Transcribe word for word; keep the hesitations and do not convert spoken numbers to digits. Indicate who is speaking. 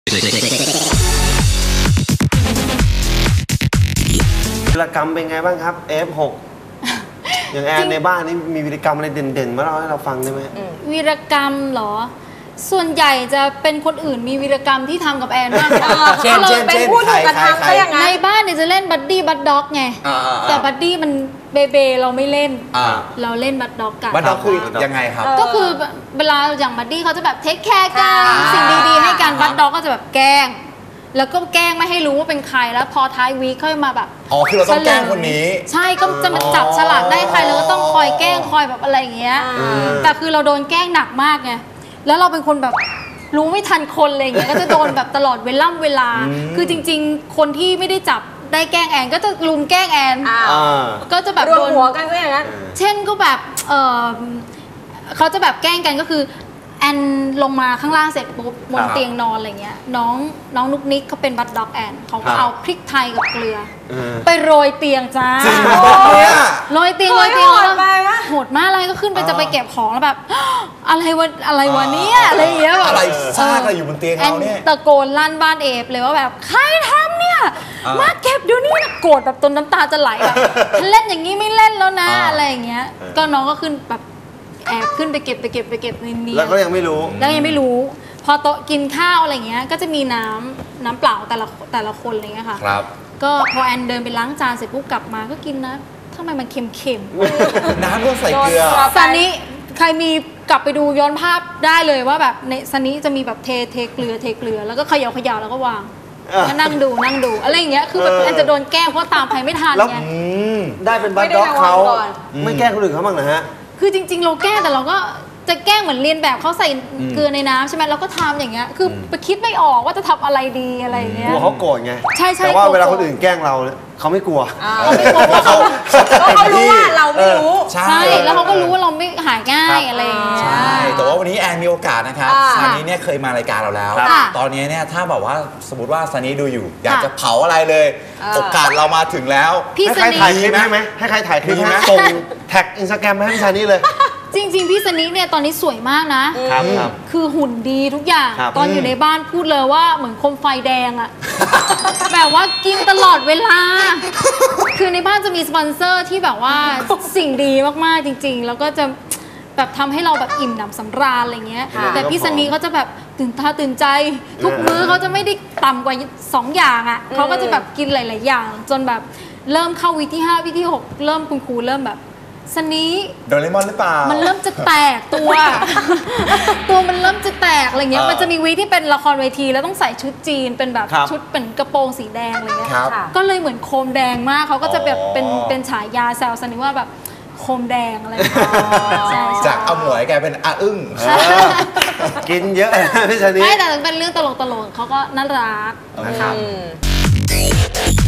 Speaker 1: วีรกรรมเป็นไงบ้างครับ เอฟ หก อย่างแอนในบ้านนี่มีวีรกรรมอะไรเด่นๆมาเล่าให้เราฟังได้ไหม
Speaker 2: วีรกรรมเหรอส่วนใหญ่จะเป็นคนอื่นมีวีรกรรมที่ทำกับแอนมากกว่า
Speaker 3: เช่นเช่นเป็นผู้ถูกกระทำก็อย่างนั้น
Speaker 2: ในบ้านเนี่ยจะเล่นบัดดี้บัดด็อกไงแต่บัดดี้มันเบเบเราไม่เล่นเราเล่นบัดด็อกกัน
Speaker 3: บัดด็อกคือยังไงครับ
Speaker 2: ก็คือเวลาอย่างบัดดี้เขาจะแบบเทคแคร์กันสิ่งดีๆให้กันบัดด็อกก็จะแบบแกล้งแล้วก็แกล้งไม่ให้รู้ว่าเป็นใครแล้วพอท้ายวีคค่อยมาแบบ
Speaker 3: อ๋อคือเราต้องแกล้งคนนี้
Speaker 2: ใช่ก็จะมาจับฉลากได้ใครแล้วก็ต้องคอยแกล้งคอยแบบอะไรอย่างเงี้ยแต่คือเราโดนแกล้งหนักมากไงแล้วเราเป็นคนแบบรู้ไม่ทันคนอะไรอย่างเงี้ยก็จะโดนแบบตลอดเวล่ำเวลาคือจริงๆคนที่ไม่ได้จับได้แกล้งแอนก็จะลุมแกล้งแอนก็จะแบบ
Speaker 4: รวมหัวกันก็อย่างนั้น
Speaker 2: เช่นก็แบบเออเขาจะแบบแกล้งกันก็คือแอนลงมาข้างล่างเสร็จปุ๊บบนเตียงนอนอะไรเงี้ยน้องน้องนุกนิกเขาเป็นบัดด็อกแอนเขาก็เอาพริกไทยกับเกลือไปโรยเตียงจ้าโรยเตียงโรยเตียงแล้วโหดมากเลยก็ขึ้นไปจะไปเก็บของแล้วแบบอะไรวะอะไรวะเนี่ยอะไรเงี้ยแบบ
Speaker 3: อะไรซากอะไรอยู่บนเตียงเราเนี่ย
Speaker 2: ตะโกนลั่นบ้านเอฟเลยว่าแบบใครทำเนี่ยมาเก็บดูนี่นะโกรธแบบจนน้ำตาจะไหลแบบเล่นอย่างนี้ไม่เล่นแล้วนะอะไรอย่างเงี้ยก็น้องก็ขึ้นแบบแอบขึ้นไปเก็บไปเก็บไปเก็บในนี้
Speaker 1: แล้วก็ยังไม่รู้
Speaker 2: แล้วยังไม่รู้พอโต๊ะกินข้าวอะไรเงี้ยก็จะมีน้ำน้ำเปล่าแต่ละแต่ละคนอะไรเงี้ยค่ะ
Speaker 3: ครับ
Speaker 2: ก็พอแอนเดินไปล้างจานเสร็จปุ๊บกลับมาก็กินนะทำไมมันเค็ม
Speaker 3: ๆน้ำก็ใส่เกลือ
Speaker 2: ซันนี้ใครมีกลับไปดูย้อนภาพได้เลยว่าแบบในซันนี้จะมีแบบเทเทเกลือเทเกลือแล้วก็เขย่าเขย่าแล้วก็วางก็นั่งดูนั่งดูอะไรอย่างเงี้ยคือแบบแอนจะโดนแกล้งเพราะตามใครไม่ทันไง
Speaker 1: ได้เป็นบัดด็อกเขาไม่แกล้งคนอื่นเขาบ้างนะฮะ
Speaker 2: คือจริงๆเราแกล้งแต่เราก็จะแกล้งเหมือนเรียนแบบเขาใส่เกลือในน้ำใช่ไหมเราก็ทำอย่างเงี้ยคือไปคิดไม่ออกว่าจะทำอะไรดีอะไรเงี้ย
Speaker 1: กลัวเขาโกรธไง
Speaker 2: ใช่ใช่
Speaker 1: แต่ว่าเวลาคนอื่นแกล้งเราเขาไม่กลัว
Speaker 2: เขาไม่กลัวเพราะเขา
Speaker 4: เขารู้ว่าเราไม่รู้
Speaker 2: ใช่แล้วเขาก็รู้ว่าเราไม่หายง่ายอะไรอย่างเงี้ย
Speaker 3: ใช่แต่ว่าวันนี้แอนมีโอกาสนะครับซันนี้เนี่ยเคยมารายการเราแล้วตอนนี้เนี่ยถ้าแบบว่าสมมติว่าซันนี้ดูอยู่อยากจะเผาอะไรเลยโอกาสเรามาถึงแล้ว
Speaker 1: ให้ใครถ่ายคลิปให้ไหมให้ใครถ่ายคลิปให้ส่งแท็กอินสตาแกรมให้พี่ซันนี่เลย
Speaker 2: จริงๆพี่สนิเนี่ยตอนนี้สวยมากนะครับ
Speaker 1: ครับ
Speaker 2: คือหุ่นดีทุกอย่างตอนอยู่ในบ้านพูดเลยว่าเหมือนโคมไฟแดงอะแบบว่ากินตลอดเวลาคือในบ้านจะมีสปอนเซอร์ที่แบบว่าสิ่งดีมากๆจริงๆแล้วก็จะแบบทำให้เราแบบอิ่มหนำสำราญอะไรเงี้ยแต่พี่สนิเขาจะแบบตื่นตาตื่นใจทุกมื้อเขาจะไม่ได้ต่ำกว่าสองอย่างอะเขาก็จะแบบกินหลายๆอย่างจนแบบเริ่มเข้าวีที่ห้าวีที่หกเริ่มคุณครูเริ่มแบบสนี
Speaker 3: โดเรมอนหรือเปล่า
Speaker 2: มันเริ่มจะแตกตัว ตัวมันเริ่มจะแตกอะไรเงี้ยมันจะมีวีที่เป็นละครเวทีแล้วต้องใส่ชุดจีนเป็นแบบชุดเป็นกระโปรงสีแดงอะไรเงี้ยก็เลยเหมือนโคมแดงมากเขาก็จะแบบเป็นเป็นฉายาแซวสนีว่าแบบโคมแดงอะไร
Speaker 3: จากเอาหมวยกลายเป็นอาอึ้ง
Speaker 1: กินเยอะพี่ชนี
Speaker 2: ไม่แต่เป็นเรื่องตลกๆเขาก็น่ารัก